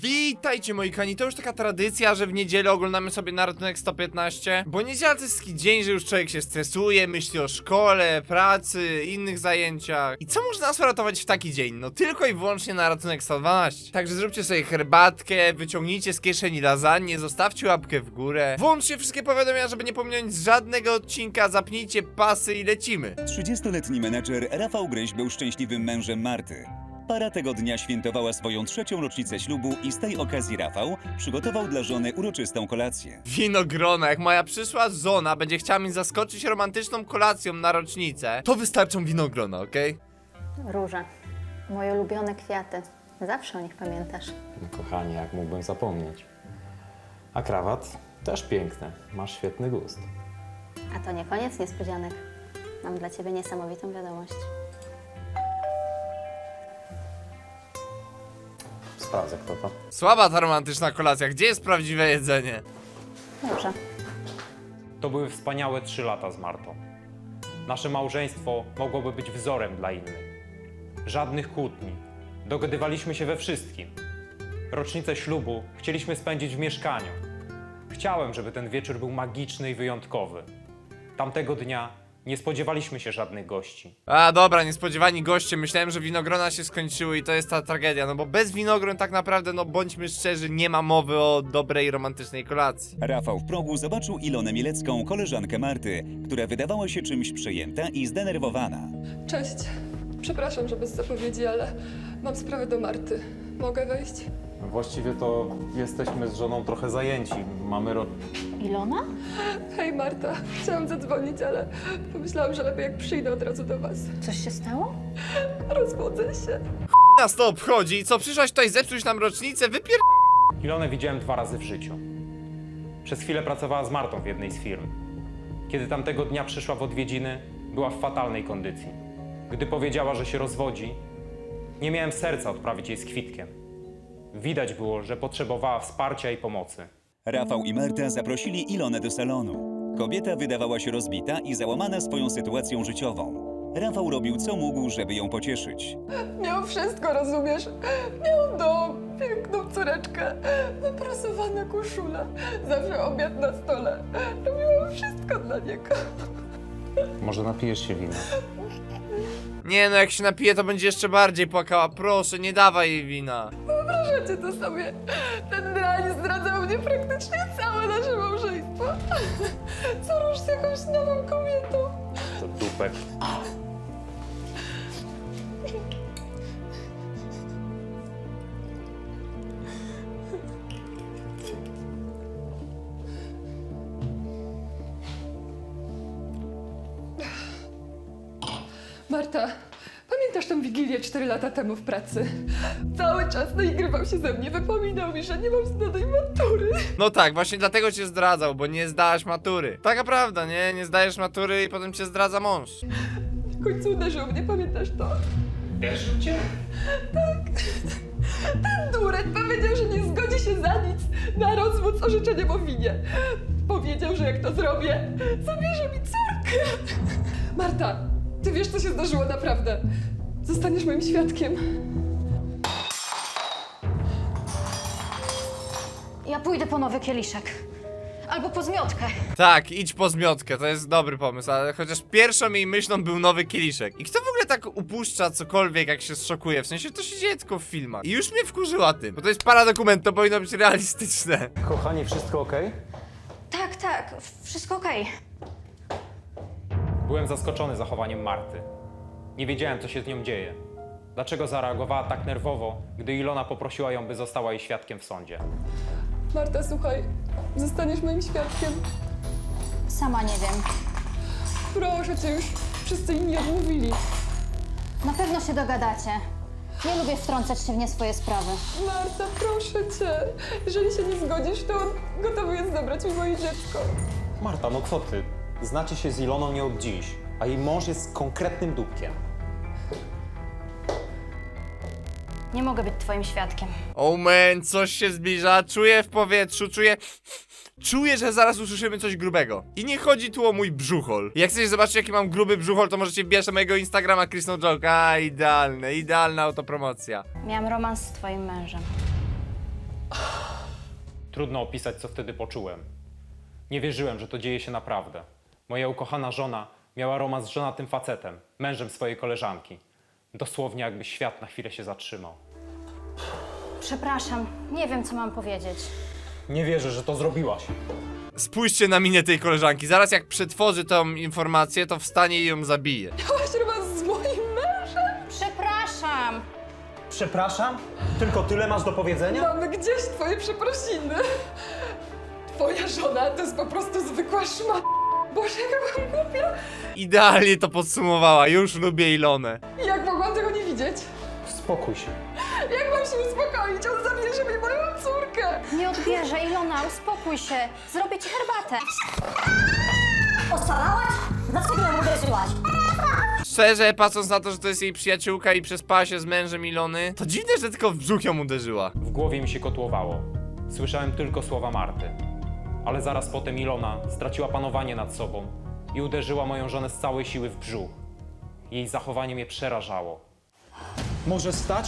Witajcie moi kochani, to już taka tradycja, że w niedzielę oglądamy sobie na Ratunek 115. Bo niedziela to jest taki dzień, że już człowiek się stresuje, myśli o szkole, pracy, innych zajęciach. I co można nas uratować w taki dzień? No tylko i wyłącznie na Ratunek 112. Także zróbcie sobie herbatkę, wyciągnijcie z kieszeni lasagne, zostawcie łapkę w górę, włączcie wszystkie powiadomienia, żeby nie pominąć żadnego odcinka, zapnijcie pasy i lecimy. 30-letni menedżer Rafał Gryś był szczęśliwym mężem Marty. Para tego dnia świętowała swoją 3. rocznicę ślubu i z tej okazji Rafał przygotował dla żony uroczystą kolację. Winogrona, jak moja przyszła żona będzie chciała mnie zaskoczyć romantyczną kolacją na rocznicę, to wystarczą winogrona, okej? Róże. Moje ulubione kwiaty. Zawsze o nich pamiętasz. Kochanie, jak mógłbym zapomnieć. A krawat? Też piękny. Masz świetny gust. A to nie koniec niespodzianek. Mam dla ciebie niesamowitą wiadomość. Sprawdzę, kto to. Słaba ta romantyczna kolacja, gdzie jest prawdziwe jedzenie? Dobrze. To były wspaniałe 3 lata z Martą. Nasze małżeństwo mogłoby być wzorem dla innych. Żadnych kłótni. Dogadywaliśmy się we wszystkim. Rocznicę ślubu chcieliśmy spędzić w mieszkaniu. Chciałem, żeby ten wieczór był magiczny i wyjątkowy. Tamtego dnia nie spodziewaliśmy się żadnych gości. A dobra, niespodziewani goście, myślałem, że winogrona się skończyły i to jest ta tragedia, no bo bez winogron tak naprawdę, no bądźmy szczerzy, nie ma mowy o dobrej, romantycznej kolacji. Rafał w progu zobaczył Ilonę Mielecką, koleżankę Marty, która wydawała się czymś przejęta i zdenerwowana. Cześć. Przepraszam, że bez zapowiedzi, ale mam sprawę do Marty. Mogę wejść? Właściwie to jesteśmy z żoną trochę zajęci. Mamy Ilona? Hej Marta, chciałam zadzwonić, ale pomyślałam, że lepiej jak przyjdę od razu do was. Coś się stało? Rozwodzę się. Nas to obchodzi, co przyszłaś tutaj zepsuć nam rocznicę, Ilonę widziałem 2 razy w życiu. Przez chwilę pracowała z Martą w jednej z firm. Kiedy tamtego dnia przyszła w odwiedziny, była w fatalnej kondycji. Gdy powiedziała, że się rozwodzi, nie miałem serca odprawić jej z kwitkiem. Widać było, że potrzebowała wsparcia i pomocy. Rafał i Marta zaprosili Ilonę do salonu. Kobieta wydawała się rozbita i załamana swoją sytuacją życiową. Rafał robił co mógł, żeby ją pocieszyć. Miał wszystko, rozumiesz? Miał dom, piękną córeczkę, wyprasowana koszula, zawsze obiad na stole. Robiłam wszystko dla niego. Może napijesz się wina? Nie no, jak się napije, to będzie jeszcze bardziej płakała, proszę, nie dawaj jej wina. Wyobrażacie to sobie? Ten drań zdradzał mnie praktycznie całe nasze małżeństwo. Co rusz z jakąś nową kobietą. To dupek. Marta, pamiętasz tę Wigilię 4 lata temu w pracy? Cały czas naigrywał się ze mnie, wypominał mi, że nie mam zdanej matury. No tak, właśnie dlatego cię zdradzał, bo nie zdałaś matury. Taka prawda, nie? Nie zdajesz matury i potem cię zdradza mąż. W końcu uderzył mnie, pamiętasz to? Uderzył cię? Ten dureń powiedział, że nie zgodzi się za nic na rozwód z orzeczeniem o winie. Powiedział, że jak to zrobię, zabierze mi córkę. Marta, ty wiesz, co się zdarzyło naprawdę. Zostaniesz moim świadkiem. Ja pójdę po nowy kieliszek. Albo po zmiotkę. Tak, idź po zmiotkę, to jest dobry pomysł, ale chociaż pierwszą jej myślą był nowy kieliszek. I kto w ogóle tak upuszcza cokolwiek, jak się zszokuje? W sensie to się dzieje tylko w filmach. I już mnie wkurzyła tym, bo to jest paradokument, to powinno być realistyczne. Kochanie, wszystko okej? Tak, wszystko okej. Byłem zaskoczony zachowaniem Marty. Nie wiedziałem, co się z nią dzieje. Dlaczego zareagowała tak nerwowo, gdy Ilona poprosiła ją, by została jej świadkiem w sądzie. Marta, słuchaj, zostaniesz moim świadkiem. Sama nie wiem. Proszę cię, już wszyscy inni odmówili. Na pewno się dogadacie. Nie lubię wtrącać się w nie swoje sprawy. Marta, proszę cię. Jeżeli się nie zgodzisz, to on gotowy jest zabrać mi moje dziecko. Marta, no co ty? Znacie się z Iloną nie od dziś, a jej mąż jest konkretnym dupkiem. Nie mogę być twoim świadkiem. Oh man, coś się zbliża, czuję w powietrzu, czuję, że zaraz usłyszymy coś grubego. I nie chodzi tu o mój brzuchol. Jak chcecie zobaczyć, jaki mam gruby brzuchol, to możecie wbijać na mojego Instagrama Chris No Joke. A, idealne, idealna autopromocja. Miałam romans z twoim mężem. Trudno opisać, co wtedy poczułem. Nie wierzyłem, że to dzieje się naprawdę. Moja ukochana żona miała romans z żonatym facetem, mężem swojej koleżanki. Dosłownie jakby świat na chwilę się zatrzymał. Przepraszam, nie wiem, co mam powiedzieć. Nie wierzę, że to zrobiłaś. Spójrzcie na minę tej koleżanki. Zaraz jak przetworzy tą informację, to wstanie i ją zabije. Miałaś romans z moim mężem? Przepraszam! Przepraszam? Tylko tyle masz do powiedzenia? Mamy gdzieś twoje przeprosiny. Twoja żona to jest po prostu zwykła szma. Boże, jak byłam głupia. Idealnie to podsumowała. Już lubię Ilonę. Jak mogłam tego nie widzieć? Spokój się. Jak mam się uspokoić? On zabierze mi moją córkę. Nie odbierze, Ilona, uspokój się. Zrobię ci herbatę. Oszalałaś? Dlaczego ją uderzyłaś? Szczerze, patrząc na to, że to jest jej przyjaciółka i przespała się z mężem Ilony, to dziwne, że tylko w brzuch ją uderzyła. W głowie mi się kotłowało. Słyszałem tylko słowa Marty. Ale zaraz potem Ilona straciła panowanie nad sobą i uderzyła moją żonę z całej siły w brzuch. Jej zachowanie mnie przerażało. Możesz stać?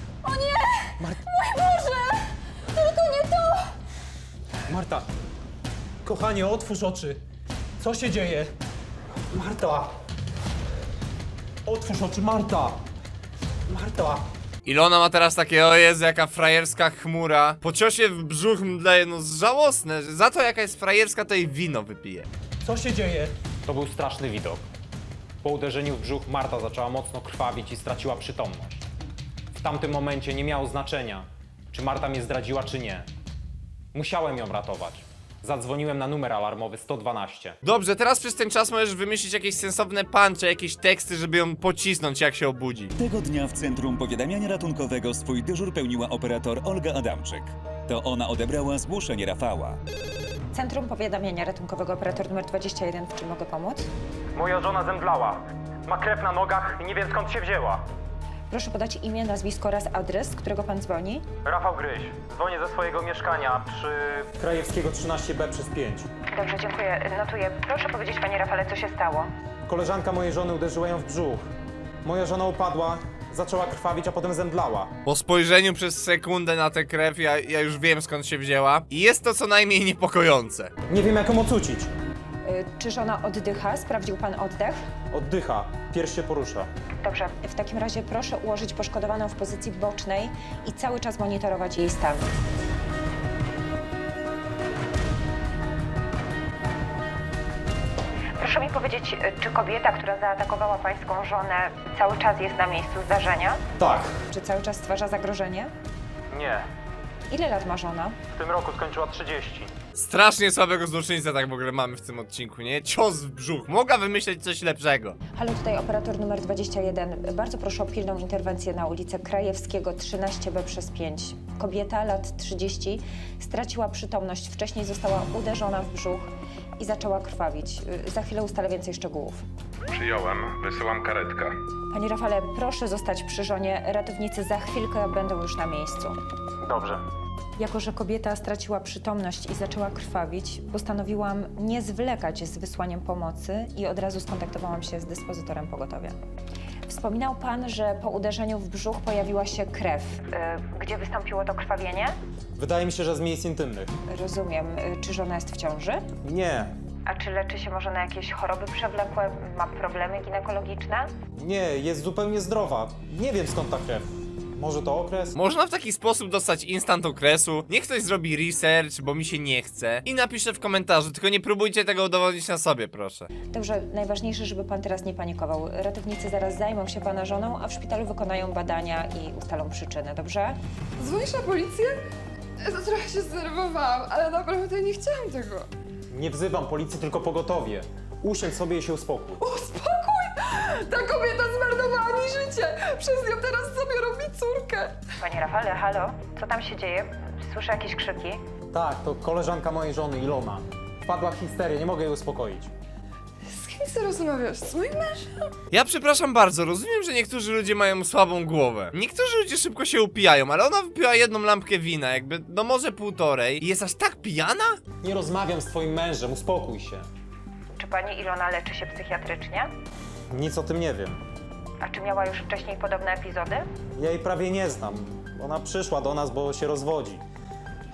Tylko nie to! Marta! Kochanie, otwórz oczy. Co się dzieje? Marta! Otwórz oczy, Marta! Marta! Ilona ma teraz takie, o Jezu, jaka frajerska chmura. Po ciosie w brzuch mdleje, no żałosne. Za to jaka jest frajerska, to jej wino wypije. Co się dzieje? To był straszny widok. Po uderzeniu w brzuch Marta zaczęła mocno krwawić i straciła przytomność. W tamtym momencie nie miało znaczenia, czy Marta mnie zdradziła, czy nie. Musiałem ją ratować. Zadzwoniłem na numer alarmowy 112. Dobrze, teraz przez ten czas możesz wymyślić jakieś sensowne puncze, jakieś teksty, żeby ją pocisnąć, jak się obudzi. Tego dnia w Centrum Powiadamiania Ratunkowego swój dyżur pełniła operator Olga Adamczyk. To ona odebrała zgłoszenie Rafała. Centrum Powiadamiania Ratunkowego, operator numer 21, w czym mogę pomóc? Moja żona zemdlała. Ma krew na nogach i nie wiem, skąd się wzięła. Proszę podać imię, nazwisko oraz adres, z którego pan dzwoni. Rafał Gryś. Dzwonię ze swojego mieszkania przy... Krajewskiego 13B przez 5. Dobrze, dziękuję. Notuję. Proszę powiedzieć, panie Rafale, co się stało? Koleżanka mojej żony uderzyła ją w brzuch. Moja żona upadła, zaczęła krwawić, a potem zemdlała. Po spojrzeniu przez sekundę na tę krew, ja już wiem, skąd się wzięła. I jest to co najmniej niepokojące. Nie wiem, jak ją ocucić. Czy żona oddycha? Sprawdził pan oddech? Oddycha, pierś się porusza. Dobrze. W takim razie proszę ułożyć poszkodowaną w pozycji bocznej i cały czas monitorować jej stan. Proszę mi powiedzieć, czy kobieta, która zaatakowała pańską żonę, cały czas jest na miejscu zdarzenia? Tak. Czy cały czas stwarza zagrożenie? Nie. Ile lat ma żona? W tym roku skończyła 30. Strasznie słabego złoczyńca tak w ogóle mamy w tym odcinku, nie? Cios w brzuch. Mogła wymyśleć coś lepszego. Halo, tutaj operator numer 21. Bardzo proszę o pilną interwencję na ulicę Krajewskiego 13B przez 5. Kobieta, lat 30, straciła przytomność. Wcześniej została uderzona w brzuch i zaczęła krwawić. Za chwilę ustalę więcej szczegółów. Przyjąłem, wysyłam karetkę. Panie Rafale, proszę zostać przy żonie. Ratownicy za chwilkę będą już na miejscu. Dobrze. Jako że kobieta straciła przytomność i zaczęła krwawić, postanowiłam nie zwlekać z wysłaniem pomocy i od razu skontaktowałam się z dyspozytorem pogotowia. Wspominał pan, że po uderzeniu w brzuch pojawiła się krew. Gdzie wystąpiło to krwawienie? Wydaje mi się, że z miejsc intymnych. Rozumiem. Czy żona jest w ciąży? Nie. A czy leczy się może na jakieś choroby przewlekłe? Ma problemy ginekologiczne? Nie, jest zupełnie zdrowa. Nie wiem, skąd ta krew. Może to okres? Można w taki sposób dostać instant okresu. Niech ktoś zrobi research, bo mi się nie chce. I napisze w komentarzu, tylko nie próbujcie tego udowodnić na sobie, proszę. Dobrze, najważniejsze, żeby pan teraz nie panikował. Ratownicy zaraz zajmą się pana żoną, a w szpitalu wykonają badania i ustalą przyczynę, dobrze? Dzwonisz na policję? Ja to trochę się zdenerwowałam, ale naprawdę nie chciałam tego. Nie wzywam policji, tylko pogotowie. Usiądź sobie i się uspokój. Uspokój! Ta kobieta zmarnowała mi życie! Przez nią teraz sobie robi córkę! Panie Rafale, halo? Co tam się dzieje? Słyszę jakieś krzyki. Tak, to koleżanka mojej żony, Ilona. Wpadła w histerię, nie mogę jej uspokoić. Z kim ty rozmawiasz? Z moim mężem? Ja przepraszam bardzo, rozumiem, że niektórzy ludzie mają słabą głowę. Niektórzy ludzie szybko się upijają, ale ona wypiła jedną lampkę wina, jakby, no może półtorej. I jest aż tak pijana? Nie rozmawiam z twoim mężem, uspokój się. Czy pani Ilona leczy się psychiatrycznie? Nic o tym nie wiem. A czy miała już wcześniej podobne epizody? Ja jej prawie nie znam. Ona przyszła do nas, bo się rozwodzi.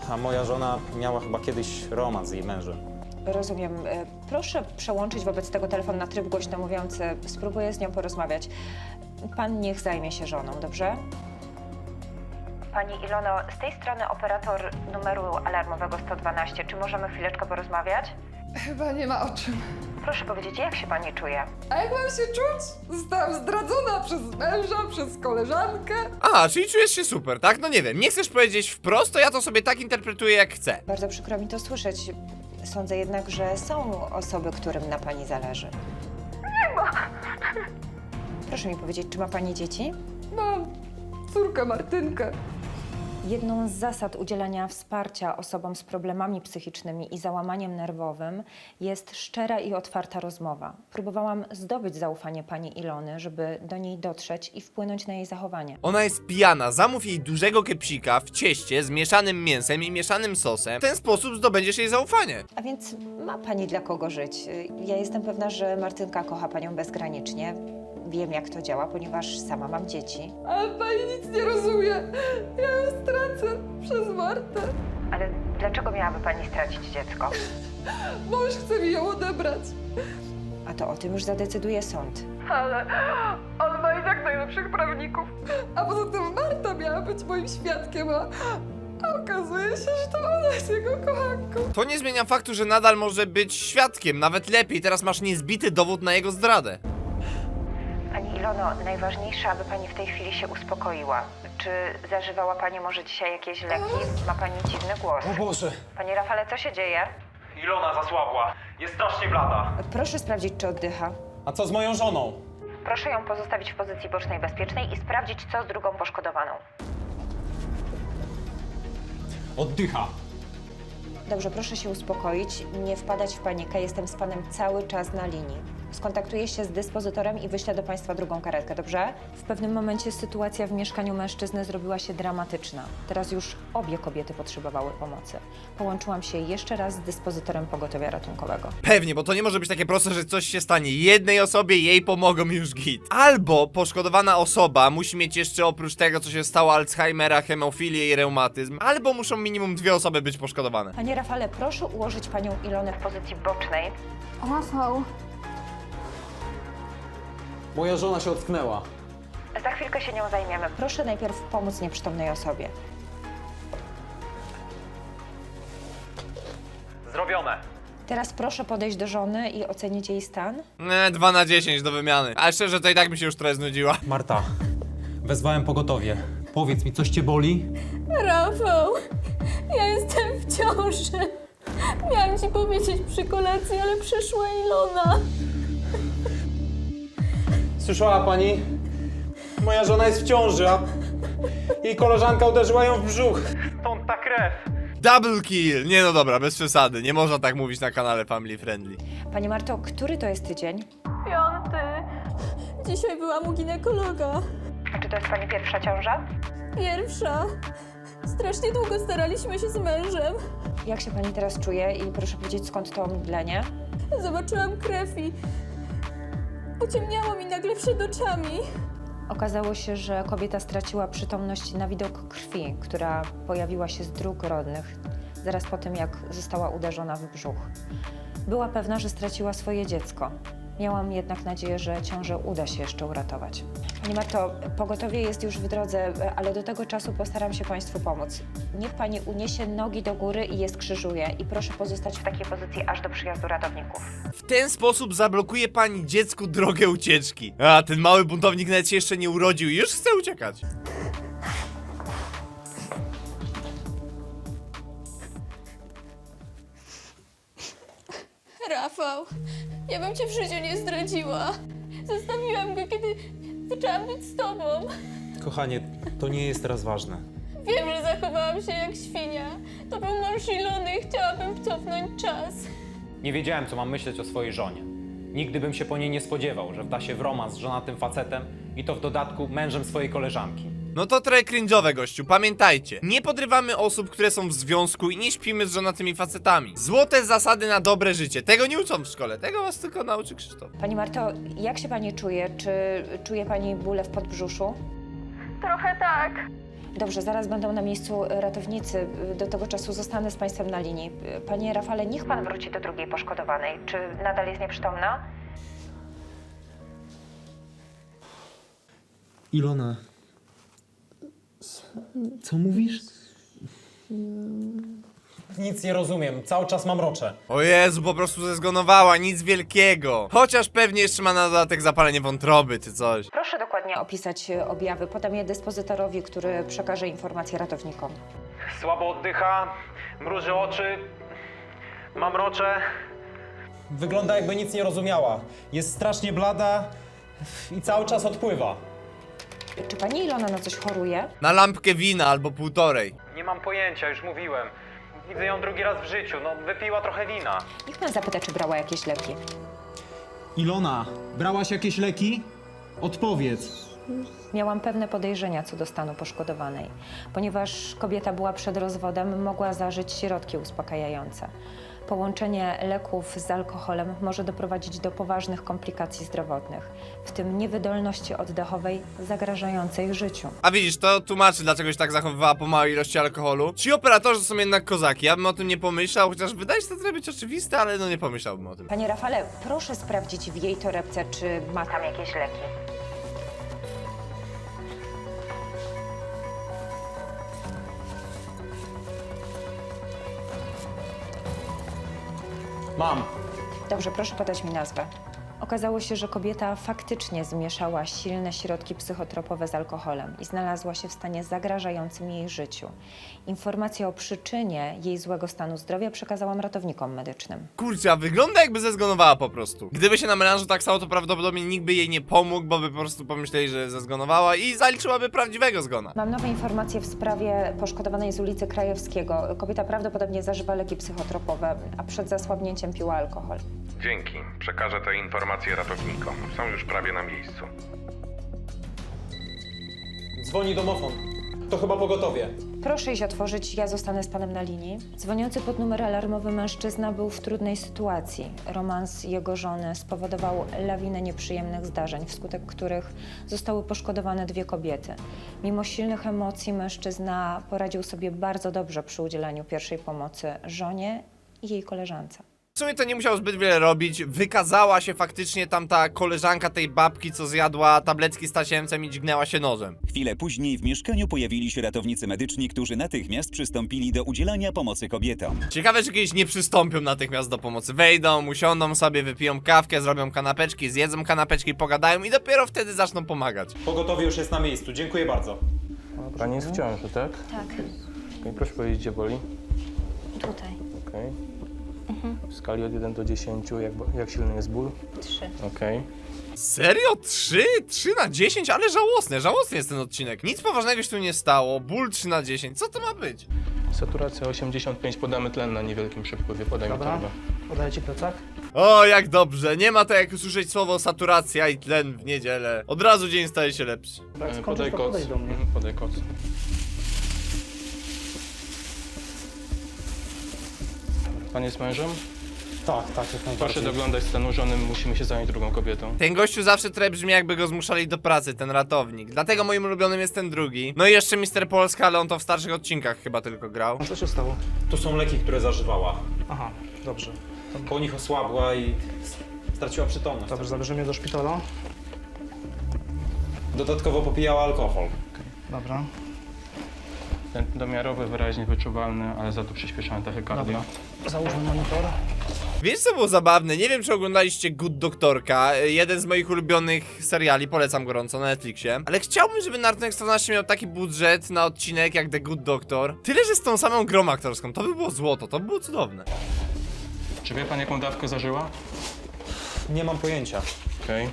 A moja żona miała chyba kiedyś romans z jej mężem. Rozumiem. Proszę przełączyć wobec tego telefon na tryb głośno mówiący. Spróbuję z nią porozmawiać. Pan niech zajmie się żoną, dobrze? Pani Ilono, z tej strony operator numeru alarmowego 112. Czy możemy chwileczkę porozmawiać? Chyba nie ma o czym. Proszę powiedzieć, jak się pani czuje? A jak mam się czuć? Zostałam zdradzona przez męża, przez koleżankę. A, czyli czujesz się super, tak? No nie wiem, nie chcesz powiedzieć wprost, to ja to sobie tak interpretuję jak chcę. Bardzo przykro mi to słyszeć. Sądzę jednak, że są osoby, którym na pani zależy. Nie ma. Proszę mi powiedzieć, czy ma pani dzieci? Mam córkę Martynkę. Jedną z zasad udzielania wsparcia osobom z problemami psychicznymi i załamaniem nerwowym jest szczera i otwarta rozmowa. Próbowałam zdobyć zaufanie pani Ilony, żeby do niej dotrzeć i wpłynąć na jej zachowanie. Ona jest pijana, zamów jej dużego kepsika w cieście z mieszanym mięsem i mieszanym sosem. W ten sposób zdobędziesz jej zaufanie. A więc ma pani dla kogo żyć. Ja jestem pewna, że Martynka kocha panią bezgranicznie. Wiem, jak to działa, ponieważ sama mam dzieci. Ale pani nic nie rozumie. Ja ją stracę przez Martę. Ale dlaczego miałaby pani stracić dziecko? Mąż chce mi ją odebrać. A to o tym już zadecyduje sąd. Ale on ma i tak najlepszych prawników. A poza tym Marta miała być moim świadkiem, a okazuje się, że to ona jest jego kochanką. To nie zmienia faktu, że nadal może być świadkiem, nawet lepiej, teraz masz niezbity dowód na jego zdradę. Pani Ilono, najważniejsze, aby pani w tej chwili się uspokoiła. Czy zażywała pani może dzisiaj jakieś leki? Ma pani dziwny głos. O Boże! Panie Rafale, co się dzieje? Ilona zasłabła. Jest strasznie blada. Proszę sprawdzić, czy oddycha. A co z moją żoną? Proszę ją pozostawić w pozycji bocznej bezpiecznej i sprawdzić, co z drugą poszkodowaną. Oddycha. Dobrze, proszę się uspokoić, nie wpadać w panikę. Jestem z panem cały czas na linii. Skontaktuję się z dyspozytorem i wyślę do państwa drugą karetkę, dobrze? W pewnym momencie sytuacja w mieszkaniu mężczyzny zrobiła się dramatyczna. Teraz już obie kobiety potrzebowały pomocy. Połączyłam się jeszcze raz z dyspozytorem pogotowia ratunkowego. Pewnie, bo to nie może być takie proste, że coś się stanie jednej osobie, jej pomogą i już git. Albo poszkodowana osoba musi mieć jeszcze oprócz tego, co się stało, Alzheimera, hemofilię i reumatyzm, albo muszą minimum 2 osoby być poszkodowane. Panie Rafale, proszę ułożyć panią Ilonę w pozycji bocznej. Rafał, Moja żona się ocknęła. Za chwilkę się nią zajmiemy. Proszę najpierw pomóc nieprzytomnej osobie. Zrobione. Teraz proszę podejść do żony i ocenić jej stan. 2 na 10 do wymiany. Ale szczerze, to i tak mi się już trochę znudziła. Marta, wezwałem pogotowie. Powiedz mi, coś cię boli? Rafał, ja jestem w ciąży. Miałam ci powiedzieć przy kolacji, ale przyszła Ilona. Słyszała pani? Moja żona jest w ciąży, a jej koleżanka uderzyła ją w brzuch. Stąd ta krew. Double kill! Nie no dobra, bez przesady. Nie można tak mówić na kanale Family Friendly. Pani Marto, który to jest tydzień? 5. Dzisiaj byłam u ginekologa. A czy to jest pani pierwsza ciąża? Pierwsza. Strasznie długo staraliśmy się z mężem. Jak się pani teraz czuje i proszę powiedzieć, skąd to omdlenie? Zobaczyłam krew i pociemniało mi nagle przed oczami. Okazało się, że kobieta straciła przytomność na widok krwi, która pojawiła się z dróg rodnych zaraz po tym, jak została uderzona w brzuch. Była pewna, że straciła swoje dziecko. Miałam jednak nadzieję, że ciążę uda się jeszcze uratować. Pani Marto, pogotowie jest już w drodze, ale do tego czasu postaram się państwu pomóc. Niech pani uniesie nogi do góry i je skrzyżuje i proszę pozostać w takiej pozycji aż do przyjazdu ratowników. W ten sposób zablokuje pani dziecku drogę ucieczki. A, ten mały buntownik nawet się jeszcze nie urodził i już chce uciekać. Rafał, ja bym cię w życiu nie zdradziła. Zostawiłam go, kiedy zaczęłam być z tobą. Kochanie, to nie jest teraz ważne. Wiem, że zachowałam się jak świnia. To był mąż Ilony i chciałabym cofnąć czas. Nie wiedziałem, co mam myśleć o swojej żonie. Nigdy bym się po niej nie spodziewał, że wda się w romans z żonatym facetem i to w dodatku mężem swojej koleżanki. No to trochę cringe'owe, gościu, pamiętajcie. Nie podrywamy osób, które są w związku i nie śpimy z żonatymi facetami. Złote zasady na dobre życie. Tego nie uczą w szkole, tego was tylko nauczy Krzysztof. Pani Marto, jak się pani czuje? Czy czuje pani bóle w podbrzuszu? Trochę tak. Dobrze, zaraz będą na miejscu ratownicy. Do tego czasu zostanę z państwem na linii. Panie Rafale, niech pan wróci do drugiej poszkodowanej. Czy nadal jest nieprzytomna? Ilona. Co mówisz? Nic nie rozumiem, cały czas mam rocze. O Jezu, po prostu zezgonowała, nic wielkiego. Chociaż pewnie jeszcze ma na dodatek zapalenie wątroby czy coś. Proszę dokładnie opisać objawy. Podam je dyspozytorowi, który przekaże informacje ratownikom. Słabo oddycha, mruży oczy, mam rocze. Wygląda jakby nic nie rozumiała. Jest strasznie blada i cały czas odpływa. Czy pani Ilona na coś choruje? Na lampkę wina albo półtorej. Nie mam pojęcia, już mówiłem. Widzę ją drugi raz w życiu, no wypiła trochę wina. Niech pan zapyta, czy brała jakieś leki. Ilona, brałaś jakieś leki? Odpowiedz. Miałam pewne podejrzenia co do stanu poszkodowanej. Ponieważ kobieta była przed rozwodem, mogła zażyć środki uspokajające. Połączenie leków z alkoholem może doprowadzić do poważnych komplikacji zdrowotnych, w tym niewydolności oddechowej zagrażającej życiu. A widzisz, to tłumaczy, dlaczego się tak zachowywała po małej ilości alkoholu. Ci operatorzy są jednak kozaki, ja bym o tym nie pomyślał, chociaż wydaje się to trochę być oczywiste, ale no nie pomyślałbym o tym. Panie Rafale, proszę sprawdzić w jej torebce, czy ma tam jakieś leki. Mam. Dobrze, proszę podać mi nazwę. Okazało się, że kobieta faktycznie zmieszała silne środki psychotropowe z alkoholem i znalazła się w stanie zagrażającym jej życiu. Informacje o przyczynie jej złego stanu zdrowia przekazałam ratownikom medycznym. Kurczę, a wygląda jakby zezgonowała po prostu. Gdyby się na melanżu tak stało, to prawdopodobnie nikt by jej nie pomógł, bo by po prostu pomyśleli, że zezgonowała i zaliczyłaby prawdziwego zgona. Mam nowe informacje w sprawie poszkodowanej z ulicy Krajewskiego. Kobieta prawdopodobnie zażywa leki psychotropowe, a przed zasłabnięciem piła alkohol. Dzięki. Przekażę te informacje ratownikom. Są już prawie na miejscu. Dzwoni domofon. To chyba pogotowie. Proszę iść otworzyć, ja zostanę z panem na linii. Dzwoniący pod numer alarmowy mężczyzna był w trudnej sytuacji. Romans jego żony spowodował lawinę nieprzyjemnych zdarzeń, wskutek których zostały poszkodowane 2 kobiety. Mimo silnych emocji mężczyzna poradził sobie bardzo dobrze przy udzielaniu pierwszej pomocy żonie i jej koleżance. W sumie to nie musiał zbyt wiele robić, wykazała się faktycznie tamta koleżanka tej babki, co zjadła tabletki z tasiemcem i dźgnęła się nożem. Chwilę później w mieszkaniu pojawili się ratownicy medyczni, którzy natychmiast przystąpili do udzielania pomocy kobietom. Ciekawe, czy kiedyś nie przystąpią natychmiast do pomocy. Wejdą, usiądą sobie, wypiją kawkę, zrobią kanapeczki, zjedzą kanapeczki, pogadają i dopiero wtedy zaczną pomagać. Pogotowie już jest na miejscu, dziękuję bardzo. Pani jest w ciąży, tak? Tak, Okej, proszę powiedzieć, gdzie boli. tutaj. Okej. W skali od 1 do 10, jak silny jest ból? 3. Okej. Serio? 3? 3 na 10? Ale żałosny jest ten odcinek. Nic poważnego się tu nie stało, ból 3 na 10, co to ma być? Saturacja 85, podamy tlen na niewielkim przepływie, podaj mi torbę. Podaję ci plecak. O, jak dobrze, nie ma to jak usłyszeć słowo saturacja i tlen w niedzielę. Od razu dzień staje się lepszy. Podaj koc. Podaj koc. Pan jest mężem? Tak, tak, jak Proszę najbardziej. doglądać stanu żony, musimy się zająć drugą kobietą. Ten gościu zawsze trochę brzmi, jakby go zmuszali do pracy, ten ratownik. Dlatego moim ulubionym jest ten drugi. No i jeszcze Mister Polska, ale on to w starszych odcinkach chyba tylko grał. Co się stało? To są leki, które zażywała. Aha, dobrze. Po nich osłabła i straciła przytomność. Dobrze, zabierzemy mnie do szpitala. Dodatkowo popijała alkohol. Dobra. Ten domiarowy, wyraźnie wyczuwalny, ale za to przyspieszony tachykardia. Załóżmy monitor. Wiesz co było zabawne? Nie wiem czy oglądaliście Good Doktorka, jeden z moich ulubionych seriali, polecam gorąco na Netflixie. Ale chciałbym, żeby Naruto 14 miał taki budżet na odcinek jak The Good Doctor. Tyle, że z tą samą grą aktorską, to by było złoto, to by było cudowne. Czy wie pan, jaką dawkę zażyła? Nie mam pojęcia. Okej.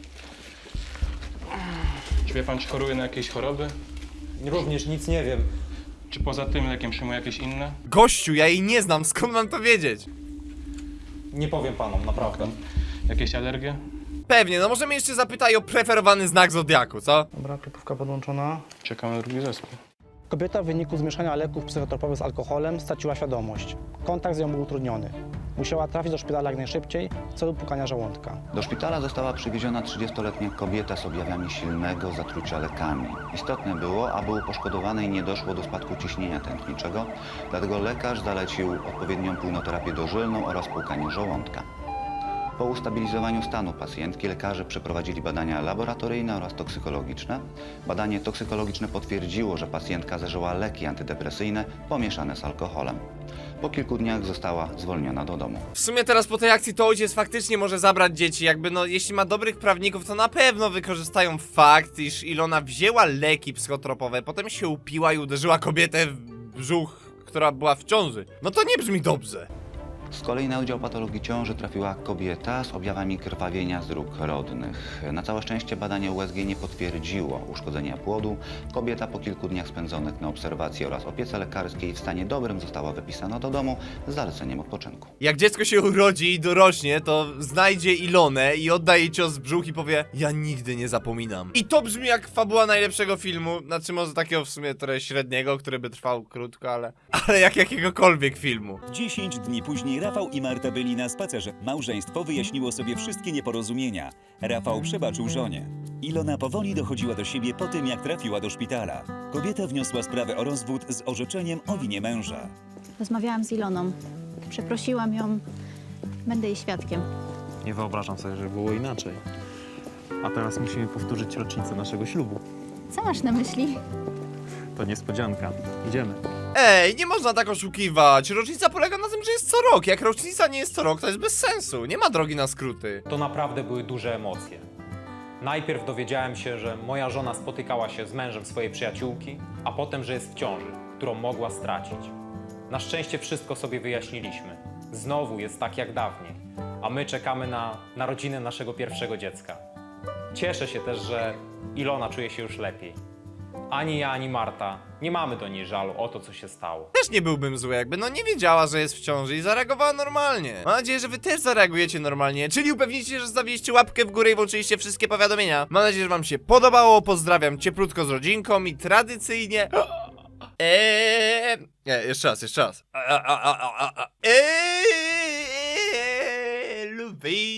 Czy wie pan, czy choruje na jakieś choroby? Również nic nie wiem. Czy poza tym lekiem przyjmuje jakieś inne? Gościu, ja jej nie znam, skąd mam to wiedzieć? Nie powiem panom, naprawdę. Jakieś alergie? Pewnie, no możemy jeszcze zapytać o preferowany znak zodiaku, co? Dobra, klipówka podłączona. Czekamy na drugi zespół. Kobieta w wyniku zmieszania leków psychotropowych z alkoholem straciła świadomość. Kontakt z nią był utrudniony. Musiała trafić do szpitala jak najszybciej w celu pukania żołądka. Do szpitala została przywieziona 30-letnia kobieta z objawami silnego zatrucia lekami. Istotne było, aby u poszkodowanej nie doszło do spadku ciśnienia tętniczego, dlatego lekarz zalecił odpowiednią płynoterapię dożylną oraz płukanie żołądka. Po ustabilizowaniu stanu pacjentki lekarze przeprowadzili badania laboratoryjne oraz toksykologiczne. Badanie toksykologiczne potwierdziło, że pacjentka zażyła leki antydepresyjne pomieszane z alkoholem. Po kilku dniach została zwolniona do domu. W sumie teraz po tej akcji to ojciec faktycznie może zabrać dzieci, jakby no jeśli ma dobrych prawników, to na pewno wykorzystają fakt, iż Ilona wzięła leki psychotropowe, potem się upiła i uderzyła kobietę w brzuch, która była w ciąży. No to nie brzmi dobrze. Z kolei na Wydział Patologii Ciąży trafiła kobieta z objawami krwawienia z dróg rodnych. Na całe szczęście badanie USG nie potwierdziło uszkodzenia płodu. Kobieta po kilku dniach spędzonych na obserwacji oraz opiece lekarskiej w stanie dobrym została wypisana do domu z zaleceniem odpoczynku. Jak dziecko się urodzi i dorośnie, to znajdzie Ilonę i odda jej cios w brzuch i powie: ja nigdy nie zapominam. I to brzmi jak fabuła najlepszego filmu, znaczy może takiego w sumie trochę średniego, który by trwał krótko, ale jak jakiegokolwiek filmu. 10 dni później Rafał i Marta byli na spacerze. Małżeństwo wyjaśniło sobie wszystkie nieporozumienia. Rafał przebaczył żonie. Ilona powoli dochodziła do siebie po tym, jak trafiła do szpitala. Kobieta wniosła sprawę o rozwód z orzeczeniem o winie męża. Rozmawiałam z Iloną. Przeprosiłam ją. Będę jej świadkiem. Nie wyobrażam sobie, że było inaczej. A teraz musimy powtórzyć rocznicę naszego ślubu. Co masz na myśli? To niespodzianka. Idziemy. Ej, nie można tak oszukiwać. Rocznica polega na tym, że jest co rok. Jak rocznica nie jest co rok, to jest bez sensu. Nie ma drogi na skróty. To naprawdę były duże emocje. Najpierw dowiedziałem się, że moja żona spotykała się z mężem swojej przyjaciółki, a potem, że jest w ciąży, którą mogła stracić. Na szczęście wszystko sobie wyjaśniliśmy. Znowu jest tak jak dawniej, a my czekamy na narodziny naszego pierwszego dziecka. Cieszę się też, że Ilona czuje się już lepiej. Ani ja, ani Marta nie mamy do niej żalu o to, co się stało. Też nie byłbym zły, jakby no nie wiedziała, że jest w ciąży i zareagowała normalnie. Mam nadzieję, że wy też zareagujecie normalnie, czyli upewnijcie się, że zostawiliście łapkę w górę i włączyliście wszystkie powiadomienia. Mam nadzieję, że wam się podobało, pozdrawiam cieplutko z rodzinką i tradycyjnie... Nie, jeszcze raz. Lubi.